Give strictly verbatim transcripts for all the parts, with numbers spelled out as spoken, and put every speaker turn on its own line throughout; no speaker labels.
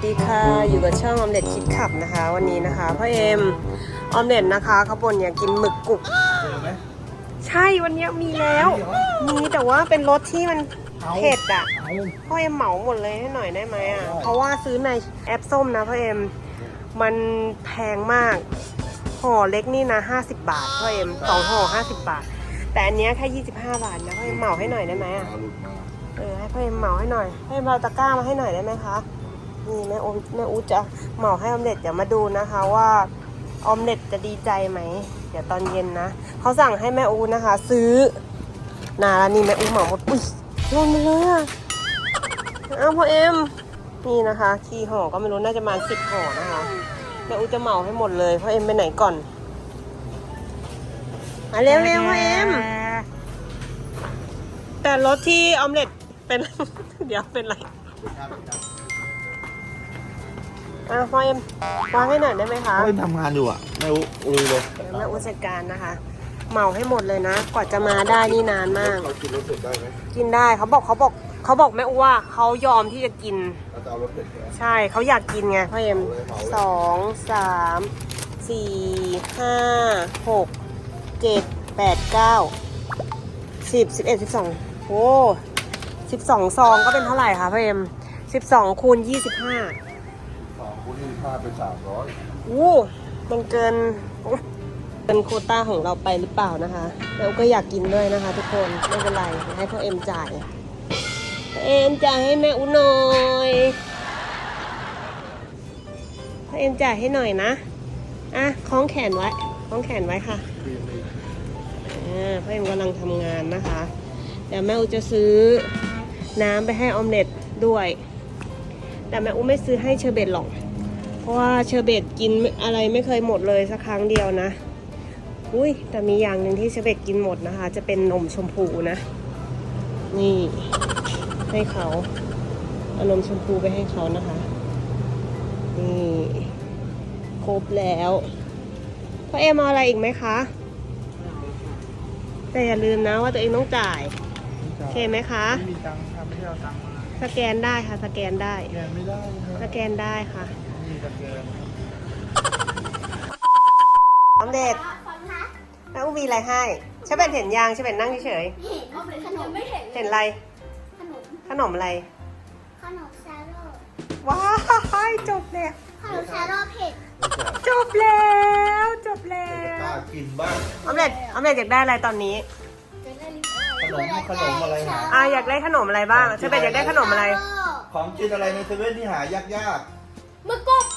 ดีค่ะอยู่กับช่องออมเล็ตคิดขับนะคะวันนี้นะคะพ่อเอ็มออมเล็ตนะคะเขาบ่นอยากกินหมึกกรุบใช่วันนี้มีแล้วมีแต่ว่าเป็นรสที่มันเผ็ดอ่ะพ่อเอ็มเหมาหมดเลยให้หน่อยได้ไหมอ่ะเพราะว่าซื้อในแอปส้มนะพ่อเอ็มมันแพงมากห่อเล็กนี่นะห้าสิบบาทพ่อเอ็มสองห่อห้าสิบบาทแต่อันนี้แค่ยี่สิบห้าบาทนะพ่อเอ็มเหมาให้หน่อยได้ไหมอ่ะเออให้พ่อเอ็มเหมาให้หน่อยให้เราตะกร้ามาให้หน่อยได้ไหมคะนี่แม่อมแม่อูจะเหมาให้ออมเล็ตเดี๋ยวมาดูนะคะว่าออมเล็ตจะดีใจไหมเดี๋ยวตอนเย็นนะเขาสั่งให้แม่อูนะคะ ซื้อนาแล้วนี่แม่อูเหมาหมดอุ้ยรวมไปเลยอ่ะอ้าวพ่อเอ็มนี่นะคะกี่ห่อก็ไม่รู้น่าจะมาสิบห่อนะคะแม่อูจะเหมาให้หมดเลยพ่อเอ็มไปไหนก่อนมาเร็วเร็วพ่อเอ็มแต่รถที่ออมเล็ตเป็น เดี๋ยวเป็นไรอ่ะพ่อเอ็มวางให้หน่อยได้ไหมคะ
พ่อเอ็มทำงานอยู่อ่ะแม่อุลุยเลย
แม่อุจัดการนะคะเหมาให้หมดเลยนะกว่าจะมาได้นี่นานมาก
เรากินรสเผ็ดได้ไหม
กินได้เขาบอกเขาบอกเขาบอกแม่อุว่าเขายอมที่จะกิน
เราจะเอารสเผ็ด
ใช่เขาอยากกินไงพ่อเอ็มสองสามสี่ห้าหกเจ็ดแปดเก้าสิบสิบเอ็ดสิบสองโอ้สิบสองซองก็เป็นเท่าไหร่คะพ่อเอ็มสิบสองคูณยี่สิบห้า
สองคูณยี่สิบห้าเป็นสามร้อย
อู้มันเกินเป็นโควต้าของเราไปหรือเปล่านะคะแล้วก็อยากกินด้วยนะคะทุกคนไม่เป็นไรให้พ่อเอ็มจ่ายพ่อเอ็มจ่ายให้แม่อุหน่อยพ่อเอ็มจ่ายให้หน่อยนะอ่ะคล้องแขนไว้คล้องแขนไว้ค่ะอ่าพ่อเอ็มกำลังทำงานนะคะเดี๋ยวแม่อุจะซื้อน้ำไปให้ออมเล็ตด้วยแต่แม่อุไม่ซื้อให้เชอร์เบตหรอกเพราะว่าเชอร์เบตกินอะไรไม่เคยหมดเลยสักครั้งเดียวนะอุ้ยแต่มีอย่างหนึ่งที่เชอร์เบตกินหมดนะคะจะเป็นนมชมพูนะนี่ให้เขาเอานมชมพูไปให้เขานะคะนี่ครบแล้วพ่อเอ็มเอาอะไรอีกไหมคะแต่อย่าลืมนะว่าตัวเองต้องจ่ายโอเคไหมคะ
ไม่มีตังค์ค่ะไม่ได้เอาตังค์มา
สแกนได้ค่ะสแกนได้
สแกนไม่ได้
สแกนได้ค่ะ
มีสแกน
ออมเล็ตแม่อุ้มมีอะไรให้เชฟเป็นเห็นยางเชฟเป็นนั่งเฉย
เห็นขนมไม่เห็น
เห็นอะไร
ขนม
ขนมอะไร
ขนมซาโร่
ว้าวจบแล้ว
ขนมซาโร่เผ็ด
จบแล้วจบแล้ว
กล้ากินบ้าง
ออมเล็ตออมเล็ตอยากได้อะไรตอนนี้
ขนมขนมอะไรหา
อ่ะอยากได้ขนมอะไรบ้างเชฟเป็นอยากได้ขนมอะไร
ของกินอะไรในเซเว่นที่หายากยาก
มึกกุบ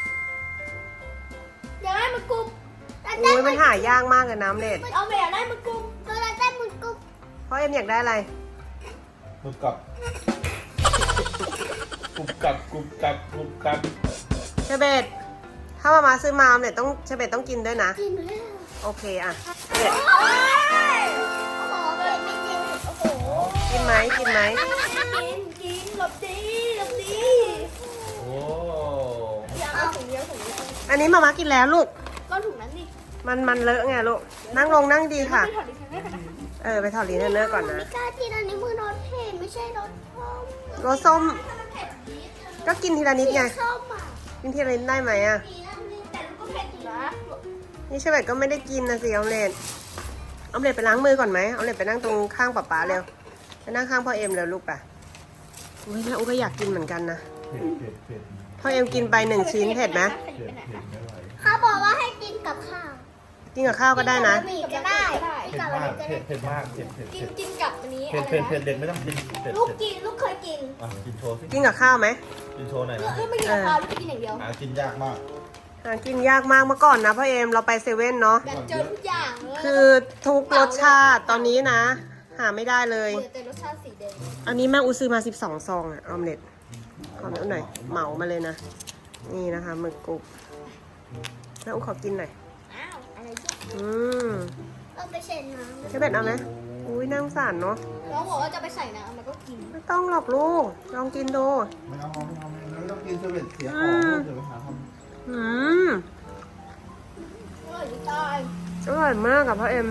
อยากได้มึกกุบ
อุ้ยมันหายากมากเลยน้ำเล็ด
เอาไปอยากได้มึกกุบตัวละได้มึกกุบ
เพราะเอ็มอยากได้อะไร
กรุบกับกรุบกับกรุบกับกรุบกับ
เชเบตถ้ามามาซื้อมาออมเล็ตต้องเชเบตต้องกินด้วยนะ
กินแล้ว
โอเคอ่ะเด็ดกินไหมกินไหม
กินกินหลบดีหลบดี
โอ้
อย่าเอาถุงเดียวถุงเดียว
อันนี้มามากินแล้วลูก
ก็ถุงนั้นดิ
มันมันเลอะไงลูกนั่งลงนั่งดีค่ะเออไปถอดลิ้นเนื้อก่อนนะ
ไม่กล้ากินอันนี้มือรสเผ็ดไม่ใช่รสส้ม
รสส้มก็กินทีละนิดไง
ส้มอ่ะ
กินทีละนิดได้ไหมอ่ะ
แต่ก็เผ็ดอยู่นะ
นี่เชเบตก็ไม่ได้กินนะสิออมเล็ตออมเล็ตไปล้างมือก่อนไหมออมเล็ตไปนั่งตรงข้างป๊าป๊าเร็วไปนั่งข้างพ่อเอ็มเร็วลูกป่ะอุ้ยแม่อุ๊ก็อยากกินเหมือนกันนะพ่อเอ็มกินไปหนึ่งชิ้นเผ็ดไหม
เขาบอกว่าให้กินกับข้าว
กินกับข้าวก็ได้นะ
จะได้
เผ็ดมากเผ็ดเผ็ดมากเผ็ดเผ็ด
กินกินกับอันนี้
เผ็ดเผ็ดเผ็ดเด็กไม่ต้องกิน
ลูกกินลูกเคยกิน
อ่ะกินโชว์สิ
กินกับข้าวไหม
กินโชว์หน่อยนะ
เออไม่กินกับข้าวลูกกินอย่างเดียว
หากินยากมาก
หากินยากมากเมื่อก่อนนะพ่อเอ็มเราไปเซเว่นเนาะ
เจอทุกอย่างเลย
คือทุกรสชาติตอนนี้นะหาไม่ได้เลย
แต่รสชาติสีแดง
อันนี้แม่อูซื้อมาสิบสองซองอะออมเล็ตขอหน่อยเหมามาเลยนะนี่นะคะหมึกกรุบแม่อูขอกินหน่อย
อ้าวอะไรจุ๊บ
อืม
เอาไปเช็ดน้ำ
ใช่เบ็ดเอาไหมอุ้ยน่าสงสารเนาะ
น้องบอกว่าจะไปใส่น้ำมันก็กิน
ไม่ต้องหรอกลูกลองกินดู
ไม่เอาไม่เอาไม่ต้องกินเซเว่นเสียของเดี๋ยวไปหาทำ
อืม
อร่อยตาย
อร่อยมากกับพ่อเอ็ม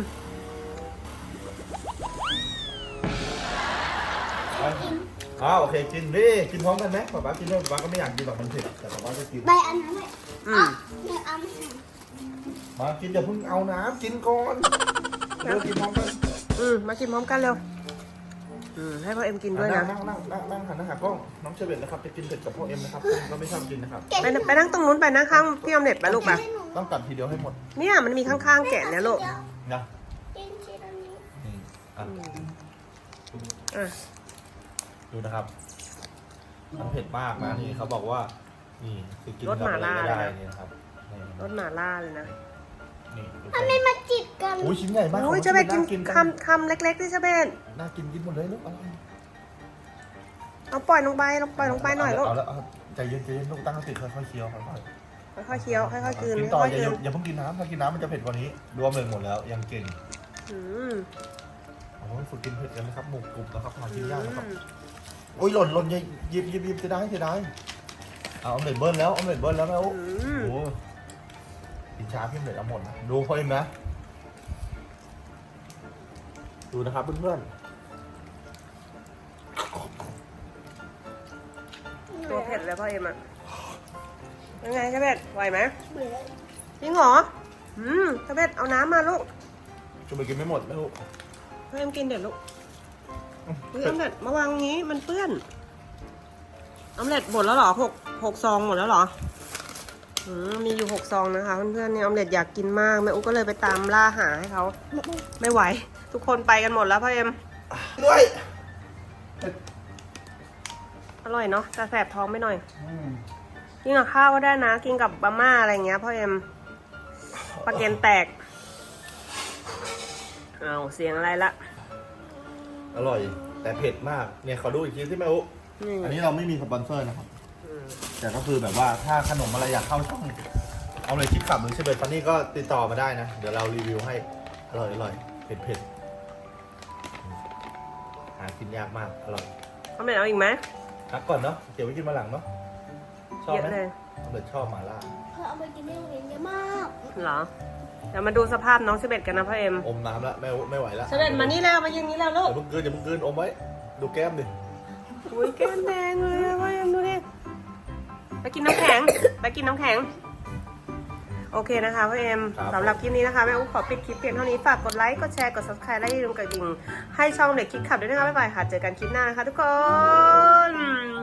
อ๋อโอเคกินดิกินพร้อมกันไหมป๊าป๊ากินด้วยป๊าป๊าก็ไม่อยากกินหรอกมันเผ็ดแต่ป๊าป๊าจะกิน
ใบอันนั้นเลย
อืม
เดี๋ยวเอามาใส่
มากินอย่าเพิ่งเอาน้ำกินก่อนเดี๋ยวกินพร้อมกัน
อืมมากินพร้อมกันเร็วอืมให้พ่อเอ็มกินด้วยนะ
นั่งนั่งนั่งนั่งหันหน้าหากล้องน้องเชเบตนะครับจะกินเผ็ดกับพ่อเอ็มนะครับก็ไม่ชอบกินนะครับ
ไปไปนั่งตรงนู้นไปนั่งข้างพี่ออมเล็ตไปลูกไป
ให้หนู
ต้องตัดทีเดียวให้หมด
เนี่ยมันมีข้างๆแกะเนี่ยลูก
นะ
กินชิ้นอันนี้
นี่อ่ะ
อ่ะ
ดูนะครับมันเผ็ดมากนะนี่เขาบอกว่านี่คือกินกับอะไรก็ได้นี่นะครับนี่
รสหม่าล่าเลยนะ
นี่ดู
ทำไมมาจิกกัน
โอ้ยชิ้นใหญ่มาก
โอ้ย
ขง
จะไปกิน
กิน
คำคำเล็กๆที่เชเบน
น่ากินกินหมดเลยลูกเอา
เอาปล่อยลงไปลงปล่อยลงไปหน่อยลูก
เอาแล้วเอาใจเย็นใจเย็นลูกตั้งสติค่อยๆเคี้ยวค่อย
ค่อยๆเคี้ยวค่อยๆ
ๆ
กลืน
กินต่อ
ค่อย
อ
ๆก
ย่า
ลืน
อย่าเพิ่งกินน้ำถ้ากินน้ำมันจะเผ็ดกว่านี้รวมเลยหมดแล้วยังเก่ง
อืม
โอ้ยฝึกกินเผ็ดกันนะครับหมูกรุบนะครับหากินยากนะครับโอ้ยหล่นหล่นยิบยิบยิบยิบจะได้จะได้เอาออมเล็ตเบิ้ลแล้วออมเล็ตเบิ้ลแล้วนะโอ้
อืม
โหกินช้าพี่ออมเล็ตเอาหมดนะดูพ่อเอ็มนะดูนะครับเพื่อน
ตัวเผ็ดเลยพ่อเอ็มอ่ะยังไงเชเบนไหวไหม
เบื่อ
จริงเหรออืมเชเบนเอาน้ำมาลูก
ๆจะไปกินไม่หมดนะลูก
พ่อเอ็มกินเด็ดลูกเฮ้ยออมเล็ตมาวางงี้มันเปื้อนออมเล็ตหมดแล้วเหรอหกหกซองหมดแล้วเหรออืมมีอยู่หกซองนะคะเพื่อนๆเนี่ยออมเล็ตอยากกินมากแม่อุ๊ก็เลยไปตามล่าหาให้เขาไม่ไหว ทุกคนไปกันหมดแล้วพ่อเอ็ม
ด้วย
อร่อยเนาะแต่แสบท้องไม่หน่อยกินกับข้าวก็ได้นะ กินกับบะม่าอะไรเงี้ยพ่อเอ็มปลาเกนแตกเอาเสียงอะไรละ
อร่อยแต่เผ็ดมากเนี่ยขอดูอีกทีที่แม่อุ๊
นี่
อันนี้เราไม่มีสปอนเซอร์นะครับ
อืม
แต่ก็คือแบบว่าถ้าขนมอะไรอยากเข้าช่องเอาเลยคิดขับหรือเชเบตฟันนี่ก็ติดต่อมาได้นะ เดี๋ยวเรารีวิวให้อร่อยอร่อยเผ็ดเผ็ดหากินยากมากอร่อย
เอาไม่เอาอีกไหม
พักก่อนเนาะเดี๋ยวไปกินมาหลังเนาะชอบ
เยอะ
ไหม
เลย
เอาเลยชอบหมาล่า
เพราะเอาไปกินที่โรงเรียนเยอะมาก
เหรอเดี๋ยวมาดูสภาพน้องเชเบตกันนะพ่อเอ็ม
อมน้ำแล้วไม่ไม่ไหวแล้ว
เชเบตมานี่แล้วมายืนนี้แล้วลู
อก ย่าเพิ่งกลืนอย่าเพิ่งกลืนอมไว้ดูแก้มดิ
อุ้ยแก้มแดงเลยอะพ่อเอ็มดูดิไปกินน้ำแข็งไปกินน้ำแข็งโอเคนะคะพ่อเอ็มสำหรับคลิปนี้นะคะแม่อุ๊ขอปิดคลิปเพียงเท่านี้ฝากกดไลค์กดแชร์กด ซับสไครบ์และอย่าลืมกระดิ่งให้ช่องเด็กคิดขับด้วยนะคะบ๊ายบายค่ะเจอกันคลิปหน้านะคะทุกคน